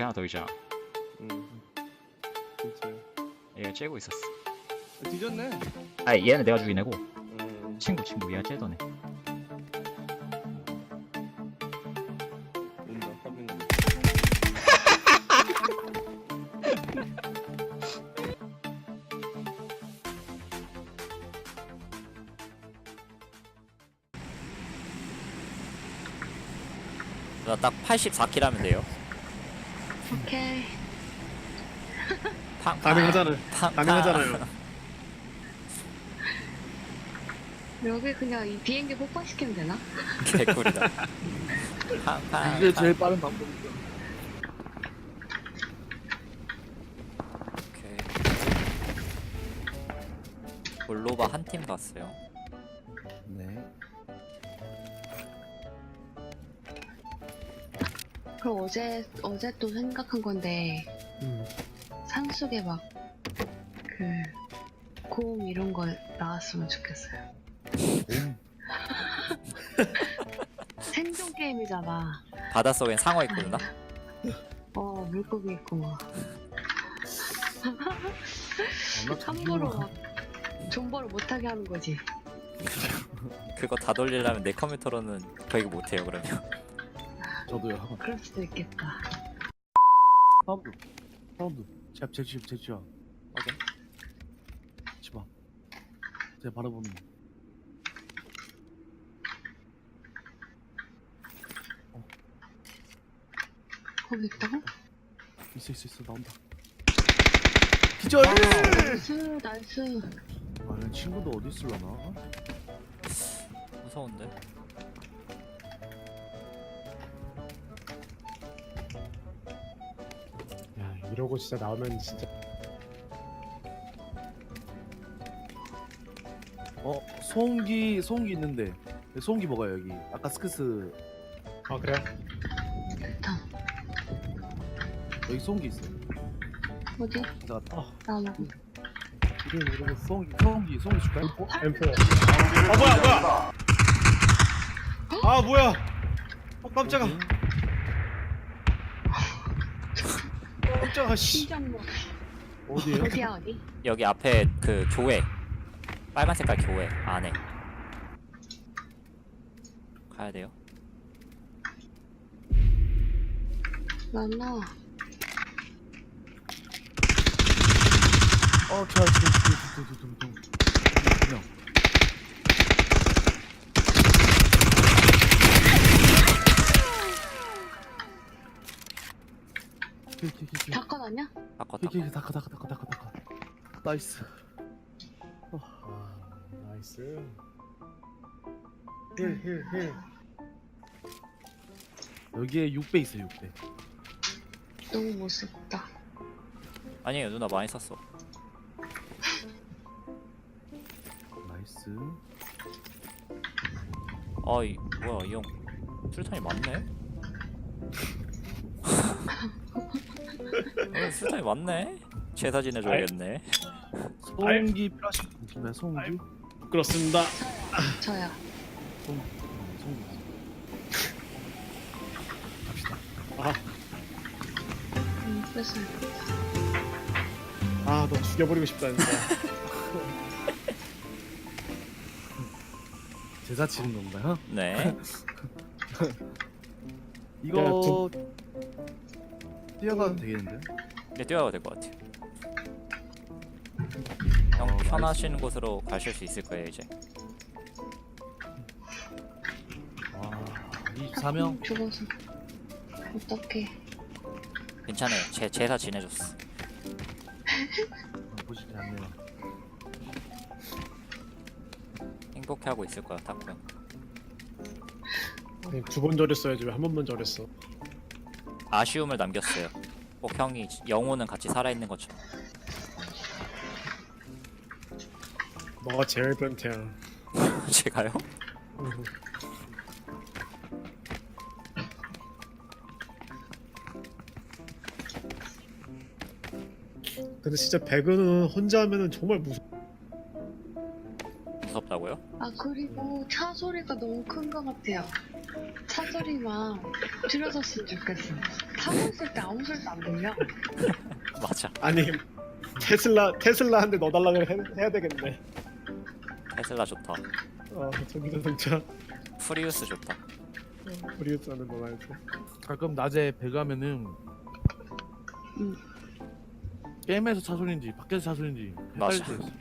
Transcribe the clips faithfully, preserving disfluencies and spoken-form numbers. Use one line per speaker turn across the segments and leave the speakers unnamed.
하나 더 있잖아.
응. 진짜.
얘가 째고 있었어.
아, 뒤졌네.
아 얘는 내가 죽인 애고
음.
친구 친구 얘가 째던 애.
온다. 화면.
나 딱 팔십사 킬 하면 돼요.
오케이.
팡,
가능하잖아요.
팡,
가능하잖아요.
여기 그냥 이 비행기 폭발시키면 되나?
개꿀이다. 팡, 팡,
이게
팡.
제일 빠른 방법이죠.
오케이. 볼로바 한 팀 갔어요.
네.
그럼 어제 어제 또 생각한 건데
음.
산속에 막 그 고음 이런 거 나왔으면 좋겠어요. 생존 게임이잖아.
바닷속엔 상어 있구나.
어 물고기 있고 막
아,
함부로 막 존버를 못하게 하는 거지.
그거 다 돌리려면 내 컴퓨터로는 거의 못해요. 그러면.
저도요.
그럴 수도 있겠다.
사운드. 사운드. 제, 제, 제, 제, 제,
확인.
집앞. 제 바라보는.
거기 있다고?
있어, 있어, 있어. 나온다. 기절!
나이스 나이스.
아, 이 친구도 어디 있을라나?
무서운데.
야 이러고 진짜 나오면 진짜
어, 소음기, 소음기 있는데. 네, 소음기 먹어요, 여기. 아까 스크스.
아 그래?
됐다.
여기 소음기 있어요.
어디?
가져갔다.
아
나 먹어.
이름 모르겠어. 소음기, 소음기, 소음기 줄까요?
어? 엠포 아 뭐야 뭐야 아 뭐야 어 깜짝아
어디?
깜짝아 씨
심장 뭐
어디에요?
어디야 어디?
여기 앞에 그 교회. 빨간 색깔 교회 안에. 가야 돼요.
나나
어, 저, 저, 저, 저, 저, 저, 저, 저. 그냥. 키, 키, 키, 키.
닭건 아니야?
바꿔
키,
다.
키, 키, 다카, 다카, 다카, 다카, 다카. 나이스.
아 나이스 힐힐힐
여기에 육 배 있어요, 육 배.
너무 못쓰다.
아니에요 누나 많이 썼어.
나이스.
아이 뭐야 이 형 술탄이 많네. 어, 술탄이 많네. 제사 지내줘야겠네.
소음기 필요하신 분 있나요, 소음기?
부끄럽습니다
저야.
소음기. 네, 소음기. 갑시다.
아
음, 뺐어요.
아, 너 죽여버리고 싶다 진짜
제사 치는 건가요?
네.
이거 뛰어가도 되겠는데?
이제 뛰어가도 될 것 같아요. 형
어,
편하신 곳으로 가실 수 있을 거예요 이제.
와, 이십사 명?
죽어서. 어떡해.
괜찮아요. 제 제사 지내줬어.
보시지 않네요.
행복해하고 있을 거야 딱 형.
두 번 절였어야지 왜 한 번만 절였어
아쉬움을 남겼어요. 꼭 형이 영혼은 같이 살아있는 것처럼.
너가 제일 변태야
제가요?
근데 진짜 배그는 혼자 하면은 정말 무서
무섭다고요?
아 그리고 차 소리가 너무 큰 것 같아요. 차 소리만 줄여줬으면 좋겠어. 타고 있을 때 아무 소리도 안 들려.
맞아.
아니 테슬라 테슬라 한 대 넣어달라 해, 해야 되겠네.
테슬라 좋다.
어 전기 자동차
프리우스 좋다.
프리우스 하는 거 말고.
가끔 낮에 배 가면은
음.
게임에서 차 소리인지 밖에서 차 소리인지
맞아.
헷갈릴 때 있어.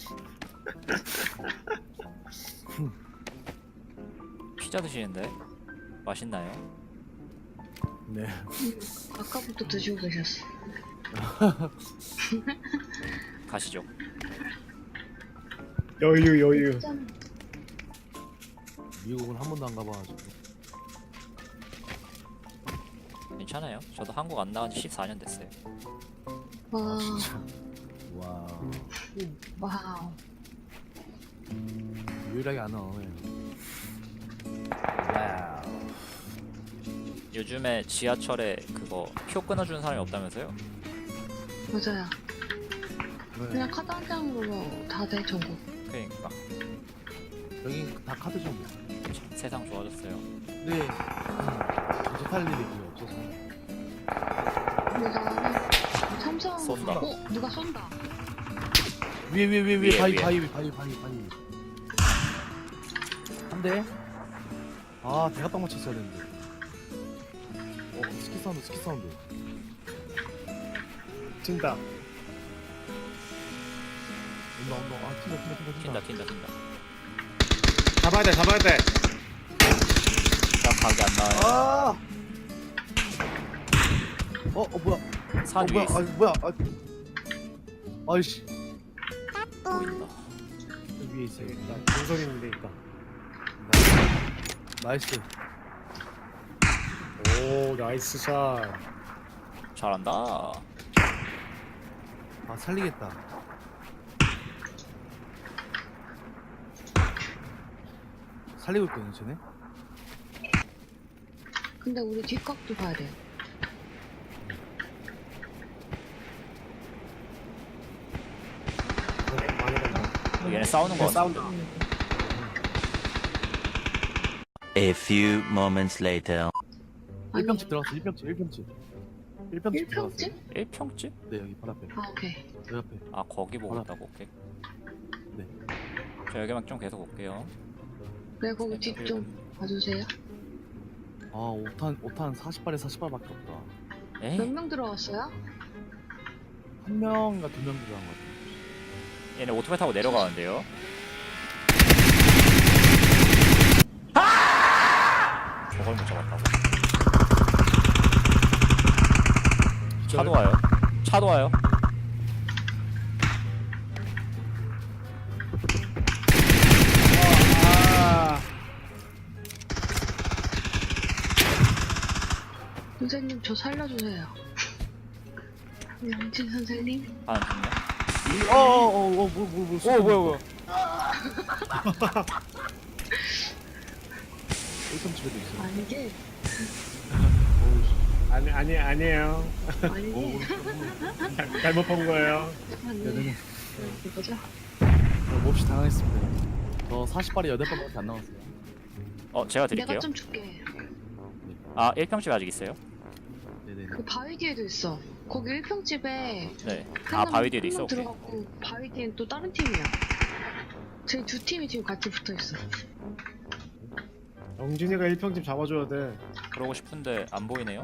피자 드시는데 맛있나요?
네.
아까부터 드시고 계셨어.
가시죠.
여유 여유.
짠.
미국은 한 번도 안 가봐가지고.
괜찮아요. 저도 한국 안 나간 지 십사 년 됐어요.
와,
와.
와우.
유일하게 안 나오네. 와우.
요즘에 지하철에 그거 표 끊어주는 사람이 없다면서요?
맞아요.
네.
그냥 카드 한 장으로 다 돼, 전국.
그러니까
여기 다 카드죠. 뭐.
참 세상 좋아졌어요.
근데 음, 전체 탈 일이 거의 없어서.
근데 나는 삼성.
쏜다.
어, 누가 쏜다.
위에 위에 위에
위에,
위에 바위
위에.
바위 위에 바위 바위 바위. 한 대. 아 대가빵 맞췄어야 되는데. 어 스키 사운드 스키 사운드.
진다.
온다 온다. 아 튄다 튄다 튄다
튄다 튄다 튄다.
잡아야 돼 잡아야 돼.
딱 각이 안 나와요.
아. 어, 어 뭐야?
산
어
위에
뭐야?
있어.
아 뭐야? 아, 아이씨
보인다.
여기 위에 있어요.
나 동선 있는데 있다.
나이스.
오 나이스 샷.
잘한다.
아 살리겠다. 살리고 있거든 쟤네.
근데 우리 뒷각도 봐야 돼.
많이 간다.
얘네 싸우는 거
싸운다.
A few moments later.
아니,
일평집 들어갔어. 일평집 일평집. 일평집 들어갔어.
일평집?
일 평집?
네 여기 바로 앞에.
아, 오케이.
여기 앞에.
아 거기 보고
하나.
있다고. 오케이.
네.
저 여기만 좀 계속 올게요.
네, 거기 뒷 좀 봐주세요.
아 오탄 오탄 사십 발에 사십 발밖에 없다.
에이?
몇 명 들어왔어요?
한 명인가 두 명 들어간 것 같아.
얘네 오토바이 타고 내려가는데요. 저걸 못 잡았다고. 차도 와요. 차도 와요.
아
선생님, 저 살려주세요. 양진 선생님?
하나 죽네.
어어어뭐뭐뭐
오 뭐야 뭐야.
일평집에도 있어.
아, 이게,
아니 아니 아니에요.
아니,
오,
이게.
잘- 잘못 본 거예요.
아니,
네네네.
이거죠?
어, 몹시 당황했습니다. 저 사십 발에 여덟 발밖에 안 나왔어요.
어 제가 드릴게요.
내가 좀 줄게.
아 일 평집 아직 있어요?
네네네.
그 바위 뒤에도 있어. 거기 일평집에
네.
한
아
명-
바위 뒤에도
한
있어.
명
오케이.
들어갔고 바위 뒤엔 또 다른 팀이야. 저희 두 팀이 지금 같이 붙어 있어.
영진이가 일평집 잡아줘야 돼.
그러고 싶은데 안 보이네요.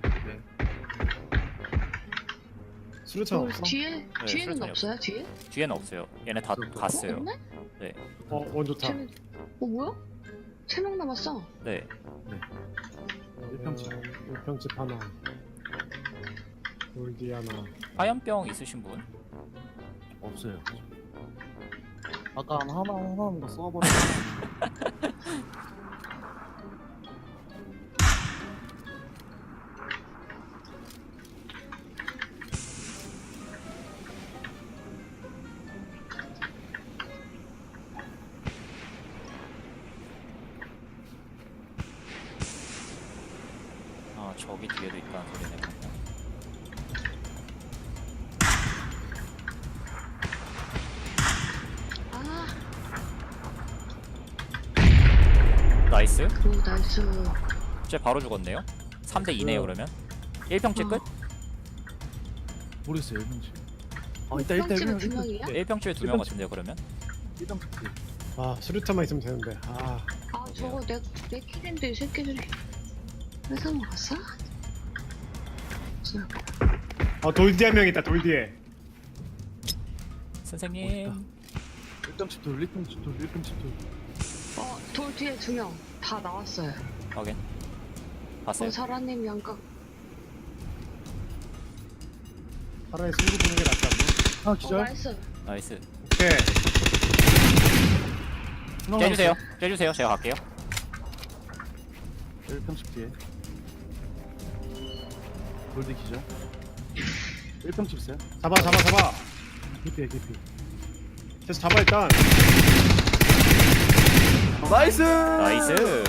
수류탄
그
없어?
뒤에 뒤에는
수류탄이
없어요? 뒤에?
뒤에는 없어요. 얘네 다
없어, 없어.
갔어요.
없네?
어 원조탄.
쟤는 어 뭐야? 세 명 남았어.
네.
일평집.
일평집 하나. 골디 하나.
화염병 있으신 분?
없어요. 아까 하나 하나 하나 더 쏘아버려.
아 저기 뒤에도 있다는 소리네.
아
나이스.
오 나이스.
쟤 바로 죽었네요. 삼 대 이네요 그러면. 일 평째 끝?
모르겠어요 일평집. 아 이따 이따
일평집에 두 명이야?
일 평집에 두 명 같은데요 그러면.
일평집.
아 수류탄만 있으면 되는데. 아
아 저거 내, 내 킬인데 이 새끼들이 회사 먹었어?
어, 돌 뒤에 한 명 있다. 돌 뒤에.
선생님.
일평집 돌 일평집 돌 일평집 돌.
어, 돌 뒤에 두 명 다 나왔어요.
확인. 봤어요.
어, 사라님 양각.
차라리 승부 보는 게 낫지 않나?
아
어,
기절.
나이스.
나이스.
오케이.
째주세요. 째주세요. 제가 갈게요.
일평집 뒤에. 골드 기절. 일평집 있어요.
잡아 잡아 잡아.
개피야 개피.
계속 잡아 일단.
나이스.
나이스.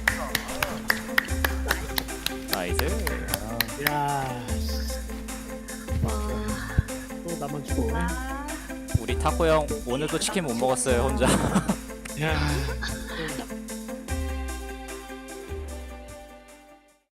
나이스.
야.
와.
또 나만 죽어.
와.
우리 타코 형 오늘도 치킨 못 먹었어요 혼자.
야.